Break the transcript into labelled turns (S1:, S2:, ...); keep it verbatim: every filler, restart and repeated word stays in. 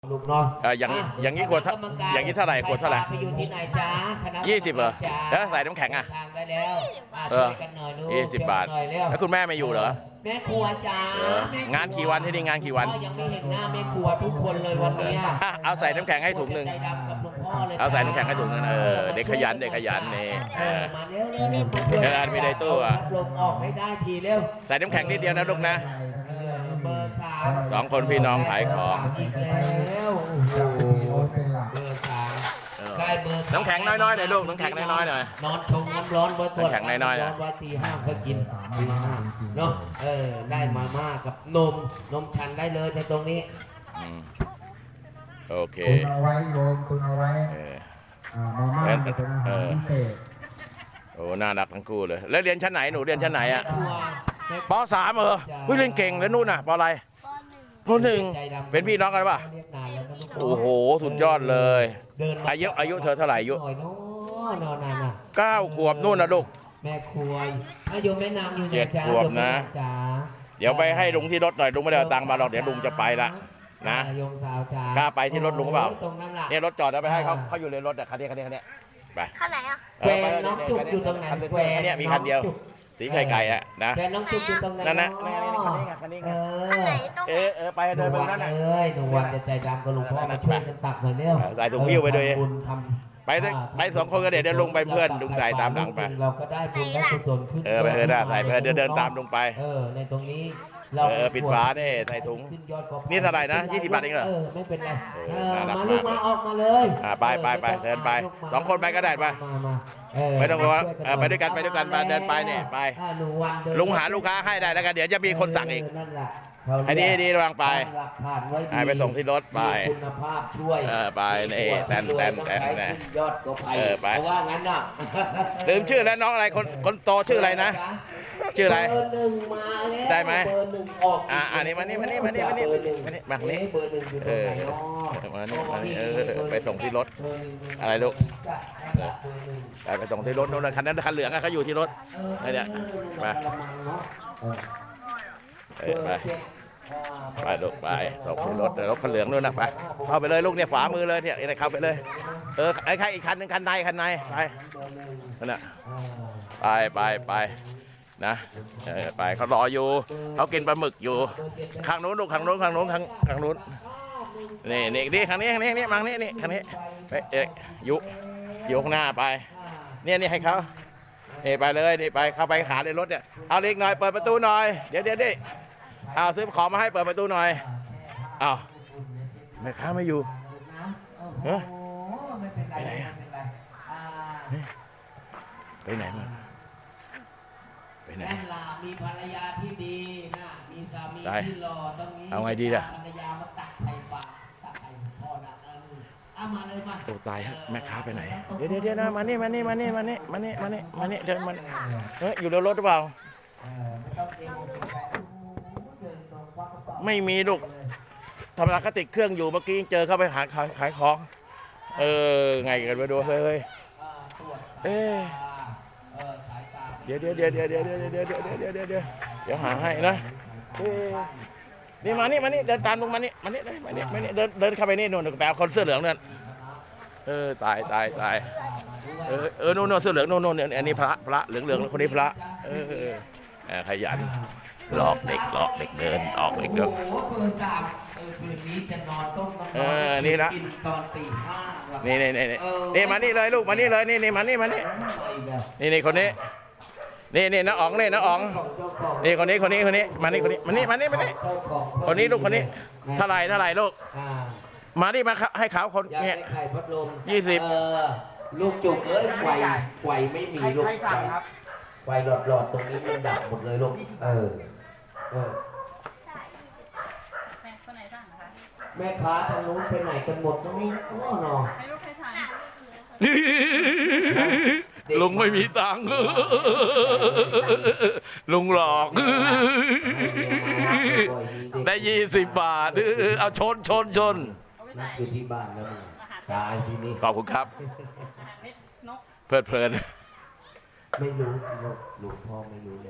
S1: ลูกเนาะ
S2: เอออย่างอย่างนี้ขวดอย่างนี้เท่าไหร่ขวดเท่าไหร่
S1: ไปอยู่ที่ไหนจ้าคณะ
S2: ยี่สิบเหรอแล้วใส่น้ำแข็งอ่ะ
S1: ทางได้แล้ว
S2: เออ
S1: ช่วยกันหน่อยลูก
S2: ยี่สิบบาท
S1: ช่วยกันหน่อยเร็ว
S2: แล้วคุณแม่ไม่อยู่เหรอ
S1: แม่ครัวจ้า
S2: เออ
S1: แม่ครั
S2: งานกี่วันที่นี่งานกี่วัน
S1: พ่อยังไม่เห็นหน้าแม่ครัวทุกคนเลยวันเนี้ย
S2: อ่ะเอาใส่น้ำแข็งให้ถุงหนึ่ง
S1: ใจดำกับหลวงพ่อเลย
S2: เอาใส่น้ำแข็งให้ถุงหนึ่งเออเด็กขยันเด็กขยันนี่เอ
S1: เออ
S2: อ
S1: มาเร็วเร็วเร็วมาช่วย
S2: เออมีในตู้อะ
S1: พัดลมออกให้ได้ทีเร็ว
S2: ใส่น้ำแข็งนิดเดียวนะลูกนะ
S1: เออเบอร์สาม
S2: สองคนพี่น้องขายของ
S1: อีกแล้วโอ้โหเบอร์สาม
S2: เออ
S1: ใกล้เบอร์สาม
S2: น้ำแข็งน้อยๆหน่อยลูกน้ำแข็งน้อยๆหน่อย
S1: นอนชงน้ำร้อนไว้ก่อน
S2: น้ำแข็งน้อยๆ
S1: ร้
S2: อะ
S1: อนไว้ตีห้าก็กินตีห้าเนาะเออได้มาม่ากับนมนมชันได้เลยในตรงนี้
S2: อืมโอเค
S3: ตุนเอาไว้โยมตุนเอาไว้
S2: เออ
S3: อ่ามาม่าเนี่ยเป็นอาหารพิเศษ
S2: โอ้น่ารักทั้งคู่เลยแล้วเรียนชั้นไหนหนูเรียนชั้นไหนอ่ะ
S1: ครัวแม่
S2: ปสามเออเฮ้ยเรียนเก่งแล้วนู่นน่ะปอะไรปหนึ่งเป็นพี่น้องกันป่ะ
S1: เรียกนานแล้วนะลูก
S2: โอ้โหสุดยอดเลย
S1: เดินม
S2: อายุอายุเธอเท่าไหร่อายุ
S1: หน่อยเนาะนอนนานน่ะ
S2: เก้าขวบนู่นนะลูก
S1: แม่ครัวถ้าโยมแม่นางอยู่
S2: เจ็ด
S1: จ้า
S2: ขวบ
S1: โยมแม่
S2: นะ
S1: างจ๋า
S2: เดี๋ยวไปให้ลุงที่รถหน่อยลุงไม่ได้เอาตังค์มาหรอกเดี๋ยวลุงจะไปละนะ
S1: โยมสาวจ๋าก
S2: ล้าไปที่รถลุงเปล่า
S1: ตรงนั้นล่ะ
S2: เนี่ยรถจอดแล้วไปให้เขาเขาอยู่ในรถอ่ะคันนี้คันนี้คันนี้ไป
S4: ข้างไหนอ่ะ
S2: เออไป
S1: แกน้องจุกอยู่ตรงไหน
S2: คันนี้
S1: แก
S2: คันนี้มีคันเดียว
S1: น้องจุก
S2: สีไข่ไก่อ่ะนะ
S1: แกน้องจุกอยู่ตรงไหน
S2: นั่นนะ
S1: เา
S2: นี่นี่คันนี้ไงคันนี้ไง
S1: เอ
S4: ข้างไหน
S1: อ
S4: ตรง
S2: เอ
S4: ไหน
S2: อเออไปเดินไปตรงนั้นน่ะ
S1: เอ้ยหนูวันจะใจดำกับหลวงพ่อมาช่วยกันตักหน่อยเร็ว
S2: ใส่ถุงหิ้วไปด้วย
S1: ทำบุญทำ
S2: ไปด้วยไปสองคนก็เดี๋ยวเดี๋ยวลุงไปเพื่อนลุงใส่ตามหลังไป
S1: เราก็ได้บุญได้กุศลขึ้น
S2: เออไปเออได้ใส่ไปเดินเดินตามลุงไป
S1: เออในตรงนี้
S2: เออปิดฝาเนี่ยใส่ถุง
S1: ขึ้ยอดกว่า
S2: นี่เท่าไหร่นะยี่สิบบาทเองเหรอ
S1: เออไม่เป็นไร
S2: เอ
S1: เอ
S2: อ
S1: อ
S2: น่ารัก
S1: มาลูก
S2: มาก
S1: มาออกมาเลย
S2: อ่าไปไปไปเดินไปสองคนไปก็ได้ไป
S1: มามาเ
S2: ไม่ต้องกลัวเออไปด้วยกันไปด้วยกันไปเดินไปเนี่ยไป
S1: อ่าหนูวันเดิน
S2: ลุงหาลูกค้าให้ได้แล้วกันเดี๋ยวจะมีคนสั่งอีก
S1: เนั่นแหละ
S2: อันนี้ดีระวังไป
S1: ตั้หลักฐานไว้ดี
S2: ให้ไปส่งที่รถไป
S1: มีคุณภาพช่วย
S2: เออไปนี่แตนแตนแตน
S1: ต้อง
S2: แต
S1: ใช้
S2: น
S1: ขึ้นยอดก็ไป
S2: เออไป
S1: เพราะว่างั้นน่ะ
S2: ลืมชื่อแล้วน้องอะไรคนคนโตชื่ออะไรนะ ชื่ออะไร
S1: เบอร์หนึ่งมาแล้ว
S2: ได้ไหม
S1: เบอร์หนึ่งออก
S2: อ่าอันนี้มานี่มานี่มานี่มานี่
S1: เบอร์หนึ่ง
S2: มานี่มานี่
S1: เบอร์หนึ่งอยู่ต
S2: เอ
S1: รง
S2: อ
S1: ไหนเนาะ
S2: มานี่มานี่เออไปส่งที่รถ
S1: เบอร์หนึ่ง
S2: อะไรลูก
S1: จ้ะเบอร์หนึ่ง
S2: ไปไปส่งที่รถนู่นนะคันนั้นคันเหลืองอะเขาอยู่ที่รถ
S1: เออ
S2: ไอ้เนี่ยไป
S1: กระมังเนาะเออ
S2: เออไปไปลูกไปส่งที่รถรถคันเหลืองนู่นนะไปเข้าไปเลยลูกเนี่ยขวามือเลยเนี่ยเนี่ยเข้าไปเลยเออไอ้ใครอีกคันหนึ่งคันในคันในไปนั่นน่ะไปไปไปนะเออไปเขารออยู่เขากินปลาหมึกอยู่ข้างนู้นลูกข้างนู้นข้างนู้นข้างข้างนู้นนี่นี่นี่ข้างนี้ข้างนี้นี่มังนี่นี่ข้างนี้ไปเอ๊ะยุยุข้างหน้าไปเนี่ยนี่ให้เขานี่ไปเลยนี่ไปเข้าไปหาในรถเนี่ยเอาเล็กหน่อยเปิดประตูหน่อยเดี๋ยวเดี๋ยวดิเอาซื้อของมาให้เปิดประตูหน่อยเอาแม่ค้าไม่อยู่เฮ้ย
S1: ไม่เป็นไร
S2: ไปไหนอะ
S1: ม่เป็นไรอ่า
S2: ไปไหนมาไปไหน
S1: แม่ลามีภรรยาที่ดีนะมีสามี
S2: ได้
S1: ที่หล่อตรงนี้
S2: เอาไงดีล่ะ
S1: ภรรยามาตักไข่ปลาตักไข่พ่อนะเออเอามาเลยมา
S2: โอ้ตายฮะแม่ค้าไปไหนเดี๋ยวเดี๋ยวเดี๋ยวนะมานี่มานี่มานี่มานี่มานี่มานี่มานี่เดินมาเฮ้ยอยู่ในรถหรือเปล่า
S1: เออไม่ต้องเกรงอกเกรงใจโอ้โหเดินตรงควักกระเป๋า
S2: ไม่มีลูกธรรมดาก็ติดเครื่องอยู่เมื่อกี้เจอเข้าไปหาขายขายของเออไงกันไปดูเฮ้ย
S1: อ่าตรวจ
S2: เอ๊ะ
S1: เออสายตา
S2: เดี๋ยวเดี๋ยวเดี๋ยวเดี๋ยวเดี๋ยวเดี๋ยวเดี๋ยวเดี๋ยวเดี๋ยวเดี๋ยวเดี๋ยวเดี๋ยวหาให้นะเอ๊ะนี่มานี่มานี่เดินตามลุงมานี่มานี่เลยมานี่มานี่เดินเดินเข้าไปนี่นู่นไปเอาคนเสื้อเหลืองนั่นเออตายตายตายเออเออนู่นนู่นเสื้อเหลืองนู่นนู่นเนี่ยอันนี้พระพระเหลืองเหลืองคนนี้พระเออเออเออขยันหลอกเด็กหลอกเด็กเดินออกเด็กเดิน
S1: โอ้โหเบอร์สามเออคืนนี้จะนอนต้มน้ำ
S2: เออนี่ละ
S1: กินตอนตีห้าหลับ
S2: นี่นี่นี่นี่
S1: เออ
S2: นี่มานี่เลยลูกมานี่เลยนี่นี่มานี่มานี่
S1: ไปแบบ
S2: นี่นี่คนนี้นี่นี่น้าอ๋องนี่น้าอ๋อง
S1: ของเจ้าของ
S2: นี่คนนี้คนนี้คนนี้มานี่คนนี้มานี่มานี่มานี่
S1: เจ้าของ
S2: คนนี้ลูกคนนี้เท่าไหร่เท่าไหร่ลูก
S1: อ่า
S2: มานี่มาให้เขาคน
S1: อยาก
S2: เนี่ย
S1: ได้ไข่พัดลม
S2: ยี่สิบ
S1: เออลูกจุกเอ้ยไฟไฟไม่มีลูก
S4: ใครสั่งครับ
S1: ไฟหลอดหลอดๆตรงนี้มันดับหมดเลยลูกเออเออ
S4: แม่คนไหนสั่งคะ
S1: แม่ค้าทางนู้นไปไหนกันหมดน้องโอ้หนอ
S4: ให้ลูกใครสั่ง
S2: ลุงไม่มีตังค์ลุงหลอกได้ยี่สิบบาทเอาชนชนชน
S4: เอาไป
S1: นั่
S4: ใส่
S1: นคือที่บ้านแล้วมึงตายที่นี่
S2: ขอบคุณครับ
S4: อาหารเม็ดนก
S2: เพลิดเพลิน
S1: ไม่รู้สิลูกหลวงพ่อไม่รู้เลย